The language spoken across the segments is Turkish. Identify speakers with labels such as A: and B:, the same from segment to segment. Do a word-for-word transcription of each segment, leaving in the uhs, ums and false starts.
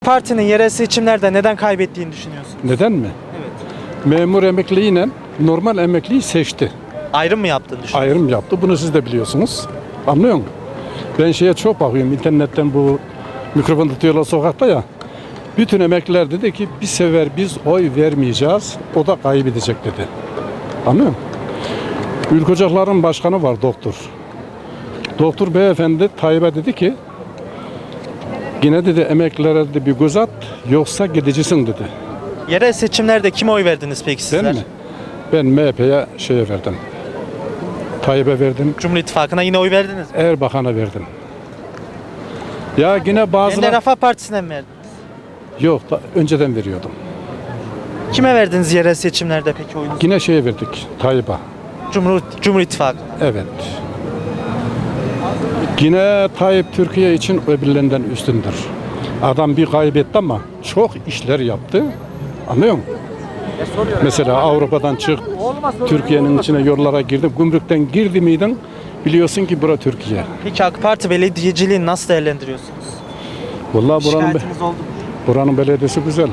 A: Partinin yerel seçimlerde neden kaybettiğini düşünüyorsun?
B: Neden mi?
A: Evet.
B: Memur emekliyle normal emekliyi seçti.
A: Ayrım mı yaptığını düşünüyorsun?
B: Ayrım yaptı. Bunu siz de biliyorsunuz. Anlıyor musun? Ben şeye çok bakıyorum. İnternetten bu mikrofon tutuyorlar sokakta ya. Bütün emekliler dedi ki bir sefer biz oy vermeyeceğiz. O da kaybedecek dedi. Anlıyor musun? Ülke Ocakları'nın başkanı var doktor. Doktor beyefendi Tayyip'e dedi ki yine dedi emeklilere dedi bir göz at yoksa gidicisin dedi.
A: Yerel seçimlerde kime oy verdiniz peki sizler?
B: Ben mi? Ben M H P'ye şeye verdim. Tayyip'e verdim.
A: Cumhur İttifakı'na yine oy verdiniz mi?
B: Erbakan'a verdim. Ya yine bazıları...
A: Yeniden Refah Partisi'ne mi verdiniz?
B: Yok, da önceden veriyordum.
A: Kime verdiniz yerel seçimlerde peki oyunuzu?
B: Yine şeye verdik, Tayyip'e.
A: Cumhur, Cumhur İttifakı.
B: Evet. Yine Tayyip Türkiye için öbürlerinden üstündür. Adam bir kaybetti ama çok işler yaptı. Anlıyor musun? Mesela Avrupa'dan çık, Türkiye'nin içine yollara girdi. Gümrükten girdi miydin? Biliyorsun ki bura Türkiye.
A: Peki AK Parti belediyeciliğini nasıl değerlendiriyorsunuz?
B: Vallahi buranın,
A: Şikayetiniz oldu mu?
B: buranın belediyesi güzel.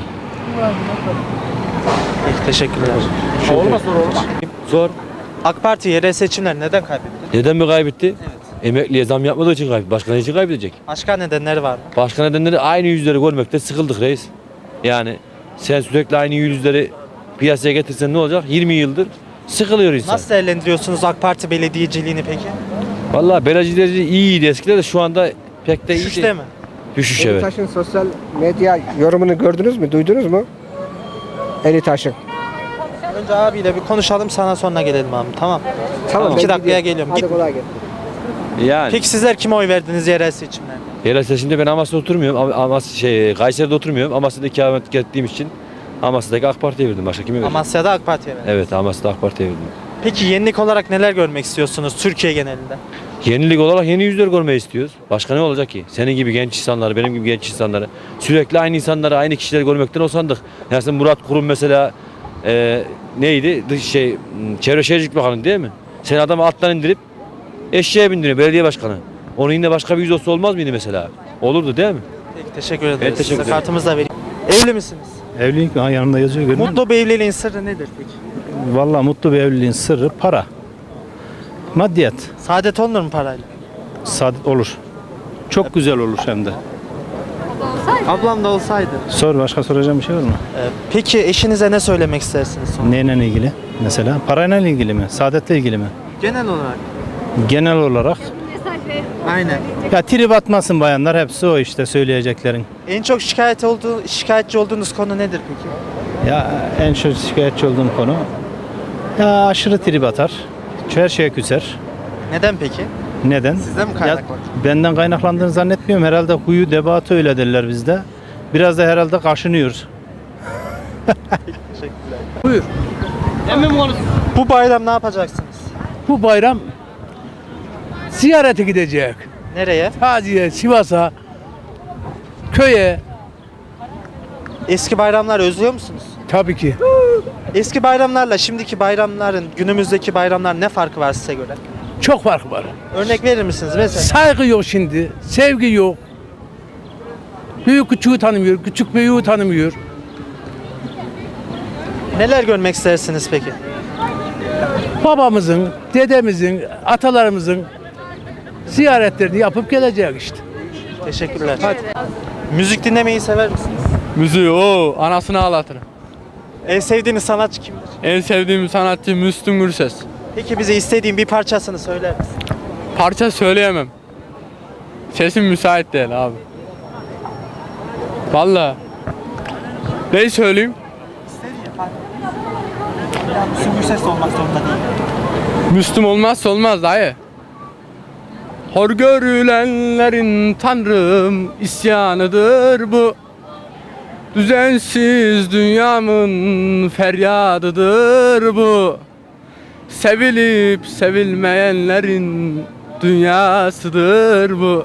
A: Peki, teşekkürler.
B: Olmaz
C: Zor.
A: AK Parti yerel seçimler neden kaybetti?
C: Neden mi kaybetti?
A: Evet.
C: Emekliye zam yapmadığı için kaybetti. Başka ne için kaybedecek?
A: Başka nedenleri var mı?
C: Başka nedenleri aynı yüzleri görmekte sıkıldık reis. Yani sen sürekli aynı yüzleri piyasaya getirsen ne olacak? yirmi yıldır sıkılıyor insan.
A: Nasıl değerlendiriyorsunuz AK Parti belediyeciliğini peki?
C: Vallahi belediyecileri iyiydi eskiden de şu anda pek de iyi
A: Düşüşte
C: değil.
A: mi?
C: Düşüş evet.
D: Elitaş'ın sosyal medya yorumunu gördünüz mü, duydunuz mu? Elitaş'ın.
A: Önce abiyle bir konuşalım, sana sonra gelelim abi, tamam.
D: Tamam.
A: İki
D: ben
A: dakikaya
D: gidiyorum.
A: geliyorum.
D: Hadi
A: Git.
D: kolay gelsin.
C: Yani
A: Peki sizler kime oy verdiniz yerel seçimlerde?
C: yerel seçimde ben Amasya'da oturmuyorum. Ama Amas şey Kayseri'de oturmuyorum. Amasya'da ikamet ettiğim için Amasya'daki AK Parti'ye verdim. Başka kime verdim?
A: Amasya'da AK Parti'ye verdiniz.
C: Evet, Amasya'da AK Parti'ye verdim.
A: Peki yenilik olarak neler görmek istiyorsunuz Türkiye genelinde?
C: Yenilik olarak yeni yüzler görmeyi istiyoruz. Başka ne olacak ki? Senin gibi genç insanları, benim gibi genç insanları sürekli aynı insanları, aynı kişileri görmekten usandık. Yani sen Murat Kurum mesela e, neydi? Dış şey Çevre Şehircilik Bakanı değil mi? Sen adamı alttan indirip eşeğe bindiriyor belediye başkanı. Onun yine başka bir yüz olsa olmaz mıydı mesela? Olurdu değil mi?
A: Peki teşekkür ederiz.
C: Evet, teşekkür
A: Size
C: ederim.
A: kartımızı da vereyim. Evli misiniz?
E: Evlilik ha, yanında yazıyor görmüyor musun?
A: Mutlu bir evliliğin sırrı nedir peki?
E: Vallahi mutlu bir evliliğin sırrı para. Maddiyat.
A: Saadet olunur mu parayla?
E: Saadet olur. Çok güzel olur hem de.
A: Ablam da olsaydı.
E: Sor, başka soracağım bir şey var mı?
A: Ee, peki eşinize ne söylemek istersiniz sonra?
E: Neyle ilgili mesela? Parayla ilgili mi? Saadetle ilgili mi?
A: Genel olarak.
E: Genel olarak.
A: Aynen.
E: Ya trip atmasın bayanlar, hepsi o işte söyleyeceklerin.
A: En çok şikayet olduğu, şikayetçi olduğunuz konu nedir peki?
E: Ya en çok şikayetçi olduğum konu ya aşırı trip atar. Her şeye küser.
A: Neden peki?
E: Neden?
A: Sizden mi
E: Ya,
A: kaynaklanıyor?
E: benden kaynaklandığını zannetmiyorum. Herhalde huyu debatı öyle derler bizde. Biraz da herhalde kaşınıyor.
A: Bu bayram ne yapacaksınız?
F: Bu bayram ziyarete gidecek.
A: Nereye?
F: Taziye, Sivas'a, köye.
A: Eski bayramlar özlüyor musunuz?
F: Tabii ki.
A: Eski bayramlarla şimdiki bayramların, günümüzdeki bayramlar ne farkı var size göre?
F: Çok fark var.
A: Örnek verir misiniz mesela?
F: Saygı yok şimdi, sevgi yok. Büyük küçüğü tanımıyor, küçük büyüğü tanımıyor.
A: Neler görmek istersiniz peki?
F: Babamızın, dedemizin, atalarımızın ziyaretlerini yapıp gelecek işte.
A: Teşekkürler. Müzik dinlemeyi sever misiniz?
G: Müziği o anasını ağlatırım.
A: En sevdiğiniz sanatçı kimdir?
G: En sevdiğim sanatçı Müslüm Gürses.
A: Peki bize istediğin bir parçasını söyler misin?
G: Parça söyleyemem. Sesim müsait değil abi. Vallahi. Ne söyleyeyim?
A: Müslüm Gürses olmak zorunda değil.
G: Müslüm olmazsa olmaz dayı. Hor görülenlerin tanrım isyanıdır bu. Düzensiz dünyamın feryadıdır bu. Sevilip sevilmeyenlerin dünyasıdır bu.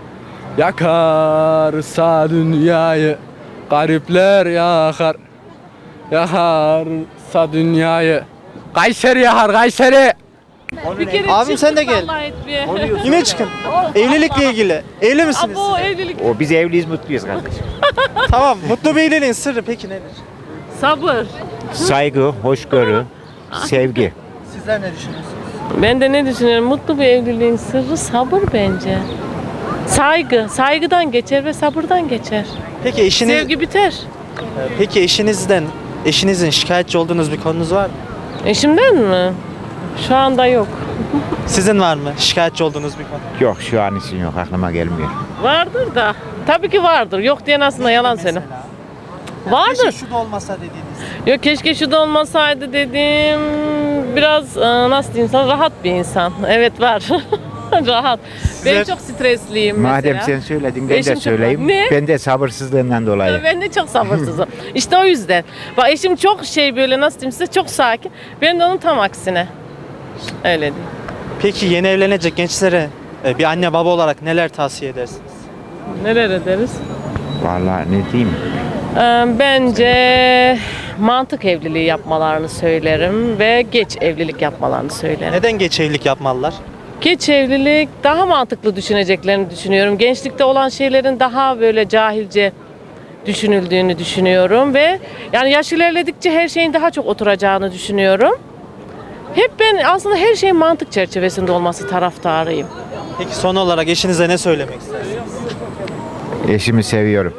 G: Yakarsa dünyayı garipler yakar. Yakarsa dünyayı Kayseri yakar Kayseri.
H: Bir kere
A: Abim sen de
H: çıktık
A: gel.
H: vallahi etmeye.
A: Yine çıkın. Evlilikle ilgili. Evli misiniz?
H: Abo
A: siz?
H: evlilik.
I: O biz evliyiz, mutluyuz kardeşim.
A: Tamam. Mutlu bir evliliğin sırrı peki nedir?
H: Sabır.
I: Saygı, hoşgörü, sevgi.
A: Sizler ne düşünüyorsunuz?
H: Ben de ne düşünüyorum? Mutlu bir evliliğin sırrı sabır bence. Saygı. Saygıdan geçer ve sabırdan geçer.
A: Peki eşiniz
H: Sevgi biter.
A: Peki eşinizden eşinizin şikayetçi olduğunuz bir konunuz var mı?
H: Eşimden mi? Şu anda yok.
A: Sizin var mı şikayetçi olduğunuz bir konu?
I: Yok, şu an için yok, aklıma gelmiyor.
H: Vardır da. Tabii ki vardır. Yok diyen aslında yalan senin. Vardır.
A: Keşke şu da olmasa dediğiniz.
H: Yok keşke şu da olmasaydı dediğim biraz e, nasıl diyeyim sana rahat bir insan. Evet var. Rahat. Ben çok stresliyim
I: Madem
H: mesela.
I: sen söyledin, ben
H: Eşim
I: de
H: çok-
I: söyleyeyim.
H: Ne?
I: Ben de sabırsızlığından dolayı.
H: Ben de çok sabırsızım. İşte o yüzden. Bak eşim çok şey böyle nasıl diyeyim size çok sakin. Ben de onun tam aksine. Öyle diyeyim.
A: Peki yeni evlenecek gençlere e, bir anne baba olarak neler tavsiye edersiniz?
H: Neler ederiz?
I: Vallahi ne diyeyim?
H: Ee, Bence mantık evliliği yapmalarını söylerim ve geç evlilik yapmalarını söylerim.
A: Neden geç evlilik yapmalılar?
H: Geç evlilik daha mantıklı düşüneceklerini düşünüyorum. Gençlikte olan şeylerin daha böyle cahilce düşünüldüğünü düşünüyorum ve yani yaş ilerledikçe her şeyin daha çok oturacağını düşünüyorum. Hep ben aslında her şeyin mantık çerçevesinde olması taraftarıyım.
A: Peki son olarak eşinize ne söylemek istersiniz?
I: Eşimi seviyorum.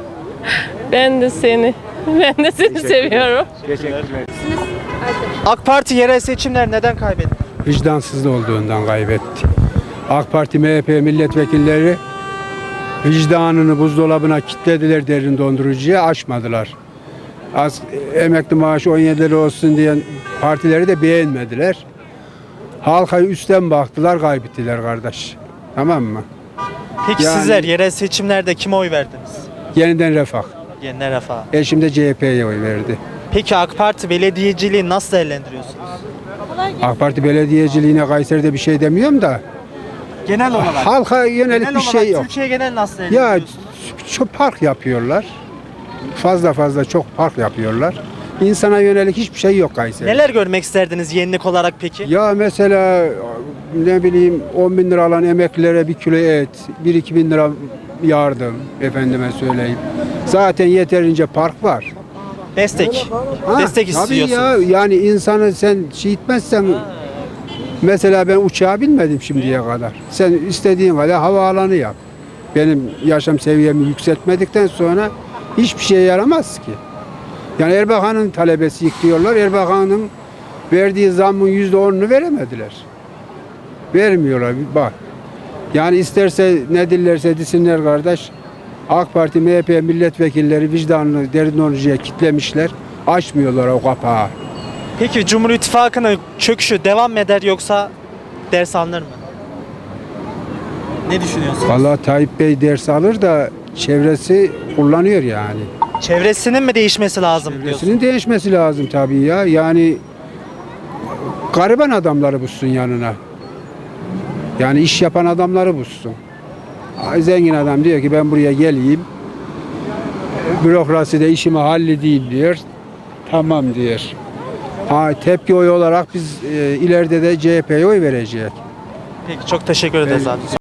H: Ben de seni, ben de seni seviyorum.
I: Teşekkürler.
A: AK Parti yerel seçimler neden kaybetti?
B: Vicdansızlık olduğundan kaybetti. AK Parti, M H P milletvekilleri vicdanını buzdolabına kilitlediler, derin dondurucuya açmadılar. Az emekli maaşı on yedi lira olsun diyen partileri de beğenmediler. Halka üstten baktılar, kaybettiler kardeş. Tamam mı?
A: Peki
B: Yani-
A: sizler yerel seçimlerde kime oy verdiniz?
B: Yeniden Refah.
A: Yeniden Refah.
B: Eşim de C H P'ye oy verdi.
A: Peki AK Parti belediyeciliği nasıl değerlendiriyorsunuz?
B: AK Parti belediyeciliğine Kayseri'de bir şey demiyorum da
A: Genel olarak.
B: halka yönelik
A: genel
B: bir şey
A: olarak
B: yok.
A: Türkiye genel nasıl
B: Ya
A: değerlendiriyorsunuz?
B: çok park yapıyorlar. Fazla fazla çok park yapıyorlar. İnsana yönelik hiçbir şey yok Kayseri'de.
A: Neler görmek isterdiniz yenilik olarak peki?
B: Ya mesela ne bileyim on bin lira alan emeklilere bir kilo et, bir iki bin lira yardım efendime söyleyeyim. Zaten yeterince park var.
A: Destek.
B: Ha,
A: Destek
B: tabii
A: istiyorsunuz.
B: ya, yani insanı sen şey etmezsen mesela ben uçağa binmedim şimdiye kadar. Sen istediğin kadar havaalanı yap. Benim yaşam seviyemi yükseltmedikten sonra hiçbir şeye yaramaz ki. Yani Erbakan'ın talebesi diyorlar. Erbakan'ın verdiği zammın yüzde onunu veremediler. Vermiyorlar. Bak. Yani isterse ne dillerse desinler kardeş. AK Parti, M H P milletvekilleri vicdanını derin dondurucuya kitlemişler. Açmıyorlar o kapağı.
A: Peki Cumhur İttifakı'nın çöküşü devam mı eder yoksa ders alınır mı? Ne düşünüyorsunuz?
B: Vallahi Tayyip Bey ders alır da çevresi kullanıyor yani.
A: Çevresinin mi değişmesi lazım diyorsunuz?
B: Çevresinin değişmesi lazım tabii ya. Yani gariban adamları bulsun yanına. Yani iş yapan adamları bulsun. Ay, zengin adam diyor ki ben buraya geleyim. Bürokraside işimi halledeyim diyor. Tamam diyor. Ha, tepki oyu olarak biz e, ileride de C H P'ye oy vereceğiz.
A: Peki çok teşekkür ederiz abi.